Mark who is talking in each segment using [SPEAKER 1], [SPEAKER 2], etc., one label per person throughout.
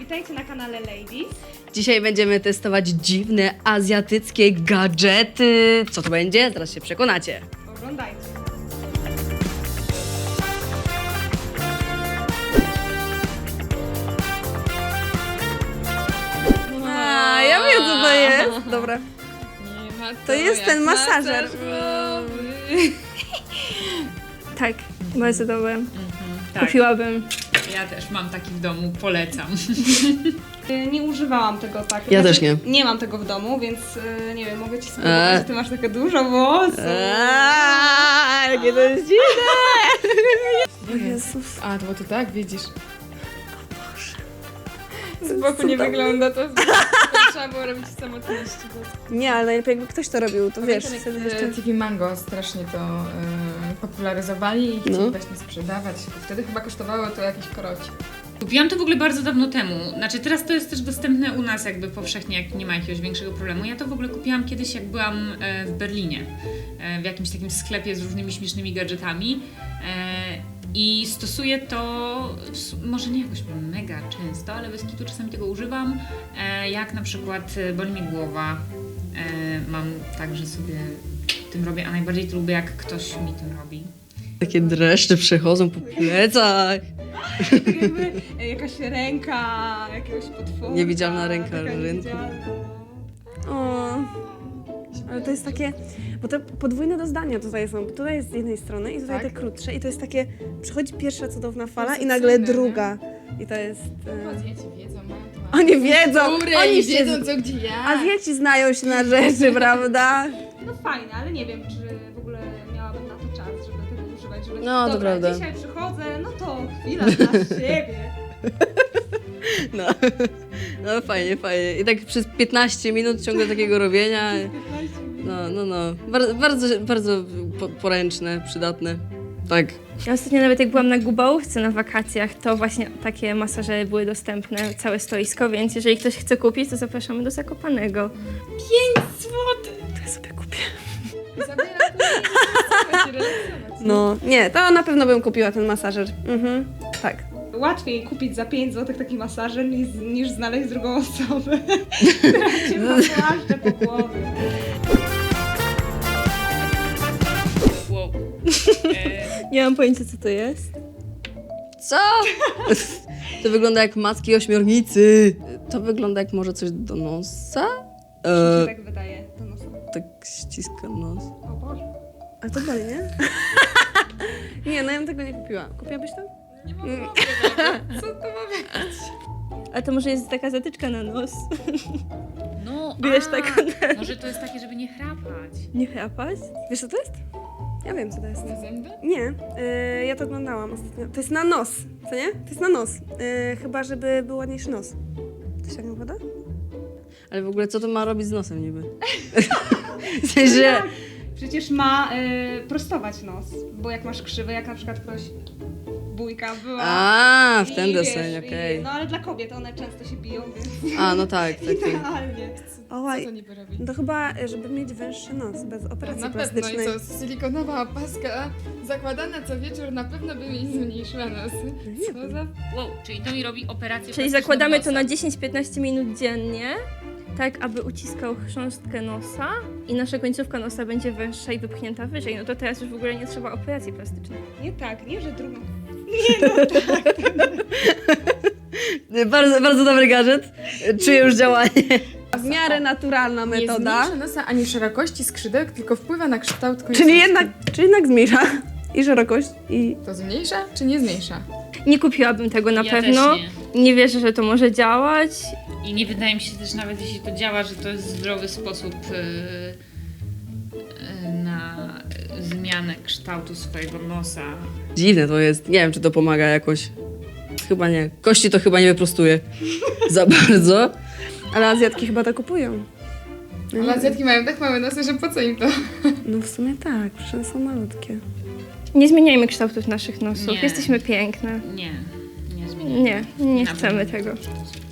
[SPEAKER 1] witajcie na kanale Ladies.
[SPEAKER 2] Dzisiaj będziemy testować dziwne azjatyckie gadżety. Co to będzie? Zaraz się przekonacie.
[SPEAKER 1] Oglądajcie.
[SPEAKER 3] A, ja wiem co to jest. Dobra.
[SPEAKER 4] Nie ma
[SPEAKER 3] To jest ten masażer. Tak, bardzo dobre.
[SPEAKER 4] Tak,
[SPEAKER 3] Kupiłabym.
[SPEAKER 4] ja też mam taki w domu, polecam.
[SPEAKER 1] Nie używałam tego tak.
[SPEAKER 2] Ja też nie.
[SPEAKER 1] Nie mam tego w domu, więc nie wiem, mogę ci spróbować, że ty masz takie dużo włosów.
[SPEAKER 2] Jakie to jest dziwne!
[SPEAKER 3] O Jezus.
[SPEAKER 4] A, to bo to tak, widzisz. Z boku nie wygląda to, trzeba było robić w samotności.
[SPEAKER 3] Nie, ale najlepiej jakby ktoś to robił, to wiesz. wtedy jeszcze...
[SPEAKER 4] TV Mango strasznie to popularyzowali i chcieli
[SPEAKER 2] No.
[SPEAKER 4] właśnie sprzedawać. Wtedy chyba kosztowało to jakiś koroci. Kupiłam to w ogóle bardzo dawno temu. Znaczy teraz to jest też dostępne u nas jakby powszechnie, jak nie ma jakiegoś większego problemu. Ja to w ogóle kupiłam kiedyś, jak byłam w Berlinie. W jakimś takim sklepie z różnymi śmiesznymi gadżetami. I stosuję to, może nie jakoś mega często, ale bez kitu czasami tego używam. Jak na przykład boli mnie głowa. Mam tak, że sobie tym robię, a najbardziej to lubię, jak ktoś mi tym robi.
[SPEAKER 2] Takie dreszcze przechodzą po plecach.
[SPEAKER 1] Tak jakby jakaś ręka jakiegoś potwora.
[SPEAKER 2] Niewidzialna ręka
[SPEAKER 1] taka
[SPEAKER 2] rynku.
[SPEAKER 1] niewidzialna.
[SPEAKER 3] O. Ale to jest takie, bo te podwójne doznania tutaj są. Tutaj jest z jednej strony i tutaj
[SPEAKER 4] Tak.
[SPEAKER 3] te krótsze i to jest takie, przychodzi pierwsza cudowna fala i
[SPEAKER 4] Sensytywne,
[SPEAKER 3] nagle
[SPEAKER 4] nie?
[SPEAKER 3] druga. I to jest...
[SPEAKER 4] Azjaci wiedzą, mają
[SPEAKER 3] Oni wiedzą! Oni się...
[SPEAKER 4] wiedzą co gdzie ja.
[SPEAKER 3] Azjaci znają się na rzeczy, prawda?
[SPEAKER 1] No fajne, ale nie wiem, czy w ogóle miałabym na to czas, żeby tego używać. Żeby
[SPEAKER 2] No, to
[SPEAKER 1] dobra,
[SPEAKER 2] prawda.
[SPEAKER 1] dzisiaj przychodzę, no to chwila dla siebie.
[SPEAKER 2] No. No fajnie, fajnie. I tak przez 15 minut ciągle takiego robienia. No. Bardzo poręczne, przydatne. Tak.
[SPEAKER 5] Ja ostatnio nawet jak byłam na Gubałówce na wakacjach, to właśnie takie masażery były dostępne, całe stoisko, więc jeżeli ktoś chce kupić, to zapraszamy do Zakopanego.
[SPEAKER 4] 5 złotych!
[SPEAKER 3] To ja sobie kupię.
[SPEAKER 4] Zabieram to i relaksować.
[SPEAKER 3] No, nie, to na pewno bym kupiła ten masażer. Tak.
[SPEAKER 1] Łatwiej kupić za 5 zł taki masażer niż znaleźć drugą osobę, która cię pogłaszcze po głowie.
[SPEAKER 4] Wow.
[SPEAKER 5] Nie mam pojęcia, co to jest.
[SPEAKER 2] Co? To wygląda jak macki ośmiornicy. To wygląda jak może coś do nosa?
[SPEAKER 1] Mi się tak wydaje. To nos.
[SPEAKER 2] Tak ściska nos.
[SPEAKER 1] O Boże.
[SPEAKER 3] A to boli, nie? Nie, no ja bym tego nie kupiła. Kupiłabyś to?
[SPEAKER 4] Nie mam Co to ma być?
[SPEAKER 5] A to może jest taka zatyczka na nos.
[SPEAKER 4] No,
[SPEAKER 5] Wiesz, tak
[SPEAKER 4] może to jest takie, żeby nie chrapać.
[SPEAKER 5] nie chrapać?
[SPEAKER 3] Wiesz co to jest? Ja wiem co to jest.
[SPEAKER 4] Na zęby?
[SPEAKER 3] Nie, ja to oglądałam ostatnio. To jest na nos, co nie? To jest na nos. Chyba, żeby był ładniejszy nos. To się nie woda?
[SPEAKER 2] Ale w ogóle co to ma robić z nosem niby? W sensie...
[SPEAKER 1] Przecież ma prostować nos, bo jak masz krzywy, jak na przykład ktoś bójka była.
[SPEAKER 2] A, w ten
[SPEAKER 1] i
[SPEAKER 2] deseń,
[SPEAKER 1] wiesz,
[SPEAKER 2] okej.
[SPEAKER 1] No ale dla kobiet one często się biją, więc
[SPEAKER 2] A, no tak.
[SPEAKER 1] idealnie.
[SPEAKER 3] Ołaj,
[SPEAKER 4] Co to niby robi?
[SPEAKER 3] to chyba, żeby mieć węższy nos, bez operacji
[SPEAKER 4] Na pewno i
[SPEAKER 3] plastycznej.
[SPEAKER 4] co, silikonowa opaska zakładana co wieczór na pewno by mi zmniejszyła nosy. Co za... Wow, czyli to mi robi operację
[SPEAKER 5] Czyli
[SPEAKER 4] plastyczną
[SPEAKER 5] zakładamy to
[SPEAKER 4] nosa.
[SPEAKER 5] na 10-15 minut dziennie, tak aby uciskał chrząstkę nosa i nasza końcówka nosa będzie węższa i wypchnięta wyżej. No to teraz już w ogóle nie trzeba operacji plastycznej.
[SPEAKER 1] Nie tak, nie, że drugą.
[SPEAKER 2] Bardzo, bardzo dobry gadżet. Czuję już działanie.
[SPEAKER 3] W miarę naturalna
[SPEAKER 4] Nie
[SPEAKER 3] metoda.
[SPEAKER 4] zmniejsza nosa ani szerokości skrzydełek, tylko wpływa na kształt końcówki.
[SPEAKER 3] Czyli jednak zmniejsza i szerokość, i...
[SPEAKER 4] To zmniejsza czy nie zmniejsza?
[SPEAKER 5] Nie kupiłabym tego na
[SPEAKER 6] Ja
[SPEAKER 5] pewno.
[SPEAKER 6] też
[SPEAKER 5] Nie wierzę, że to może działać.
[SPEAKER 6] I nie wydaje mi się też nawet, jeśli to działa, że to jest zdrowy sposób na zmianę kształtu swojego nosa.
[SPEAKER 2] Dziwne to jest. Nie wiem, czy to pomaga jakoś. Chyba nie. Kości to chyba nie wyprostuje za bardzo.
[SPEAKER 3] Ale Azjatki chyba to kupują.
[SPEAKER 4] Ale Azjatki mają tak małe nosy, że po co im to?
[SPEAKER 3] No w sumie tak, przecież one są malutkie.
[SPEAKER 5] Nie zmieniajmy kształtów naszych nosów.
[SPEAKER 6] Nie.
[SPEAKER 5] Jesteśmy piękne.
[SPEAKER 6] Nie zmienię.
[SPEAKER 5] Nie
[SPEAKER 6] Na
[SPEAKER 5] chcemy
[SPEAKER 6] pewno.
[SPEAKER 5] tego.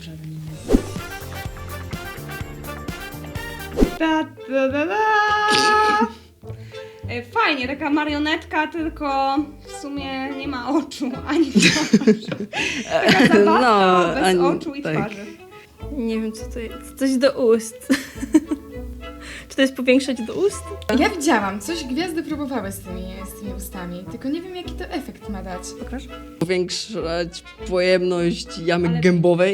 [SPEAKER 1] Ta, ta, ta, ta. Fajnie, taka marionetka, tylko sumie nie ma oczu, ani twarzy. Taka zabawka
[SPEAKER 2] No,
[SPEAKER 1] bez
[SPEAKER 2] ani-
[SPEAKER 1] oczu i
[SPEAKER 2] tak.
[SPEAKER 1] twarzy.
[SPEAKER 5] Nie wiem, co to jest. Coś do ust. Czy to jest powiększać do ust?
[SPEAKER 7] Ja widziałam, coś gwiazdy próbowały z tymi ustami, tylko nie wiem jaki to efekt ma dać.
[SPEAKER 3] Pokaż.
[SPEAKER 2] Powiększać pojemność jamy gębowej.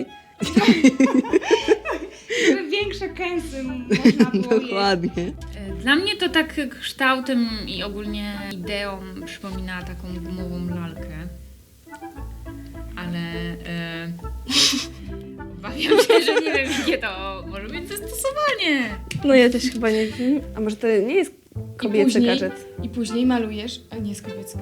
[SPEAKER 1] Żeby większe kęsy można było jeść.
[SPEAKER 2] Dokładnie.
[SPEAKER 4] Dla mnie to tak kształtem i ogólnie ideą przypomina taką gumową lalkę. Ale obawiam się, że nie wiem, jakie to może być zastosowanie.
[SPEAKER 3] No ja też chyba nie wiem. A może to nie jest kobiecy
[SPEAKER 7] później-
[SPEAKER 3] gadżet?
[SPEAKER 7] I później malujesz, a nie z kobiecka.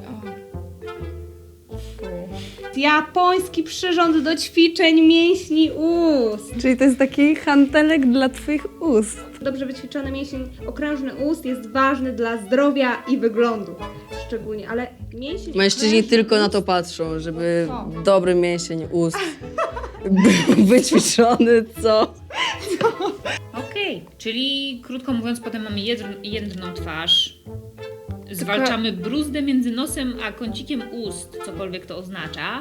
[SPEAKER 1] Japoński przyrząd do ćwiczeń mięśni ust.
[SPEAKER 3] Czyli to jest taki hantelek dla twoich ust.
[SPEAKER 1] Dobrze wyćwiczony mięsień okrężny ust jest ważny dla zdrowia i wyglądu. Szczególnie, ale mięsień
[SPEAKER 2] Mężczyźni
[SPEAKER 1] okrężny
[SPEAKER 2] tylko na
[SPEAKER 1] ust-
[SPEAKER 2] to patrzą, żeby
[SPEAKER 1] Co?
[SPEAKER 2] dobry mięsień ust był wyćwiczony, co?
[SPEAKER 4] Okej, czyli krótko mówiąc, potem mamy jedną twarz. Zwalczamy bruzdę między nosem a kącikiem ust, cokolwiek to oznacza.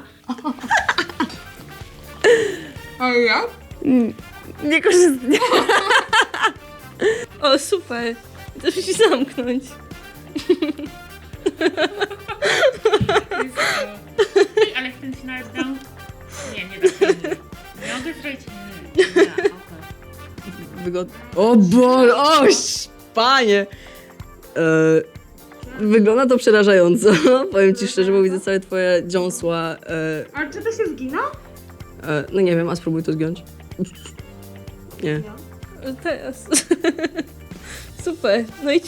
[SPEAKER 7] A ja?
[SPEAKER 3] Nie korzystnie.
[SPEAKER 5] O, super. To musi zamknąć.
[SPEAKER 4] Ej, ale chcę się nawet dam. Nie tak. Nie mogę zrobić. Nie, okej.
[SPEAKER 2] O Boże, panie! Wygląda to przerażająco. Powiem ci szczerze, bo widzę całe twoje dziąsła.
[SPEAKER 1] Ale czy to się zgina?
[SPEAKER 2] No nie wiem, a spróbuj to zgiąć. Nie.
[SPEAKER 5] Teraz. Super. No i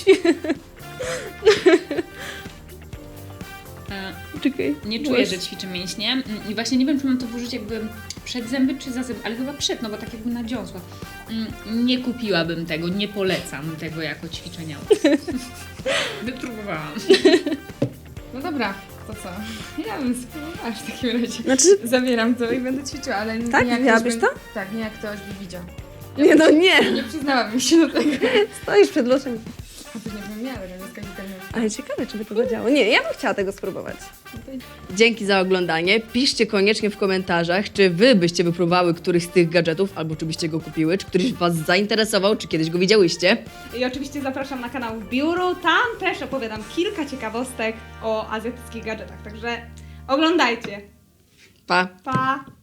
[SPEAKER 5] Czekaj.
[SPEAKER 4] Nie czuję, że ćwiczę mięśnie i właśnie nie wiem, czy mam to włożyć jakby przed zęby czy za zęby, ale chyba przed, no bo tak jakby na dziąsła. Nie kupiłabym tego, nie polecam tego jako ćwiczenia. Wypróbowałam.
[SPEAKER 7] No dobra, to co? Ja bym spróbowała w takim razie.
[SPEAKER 3] Znaczy,
[SPEAKER 7] Zabieram to i będę ćwiczyła, ale
[SPEAKER 3] Tak?
[SPEAKER 7] nie jak
[SPEAKER 3] Miałabyś
[SPEAKER 7] ktoś
[SPEAKER 3] to?
[SPEAKER 7] Tak, nie jak ktoś by widział.
[SPEAKER 3] nie no nie.
[SPEAKER 7] Nie przyznałabym się do tego.
[SPEAKER 3] Stoisz przed losem.
[SPEAKER 7] A później bym miała, ale nie skakać.
[SPEAKER 3] Ale ciekawe, czy by to zadziałało. Nie, ja bym chciała tego spróbować.
[SPEAKER 2] Dzięki za oglądanie. Piszcie koniecznie w komentarzach, czy wy byście wypróbowały któryś z tych gadżetów, albo czy byście go kupiły, czy któryś was zainteresował, czy kiedyś go widziałyście.
[SPEAKER 1] I oczywiście zapraszam na kanał Biuru. Tam też opowiadam kilka ciekawostek o azjatyckich gadżetach, także oglądajcie.
[SPEAKER 2] Pa!
[SPEAKER 1] Pa!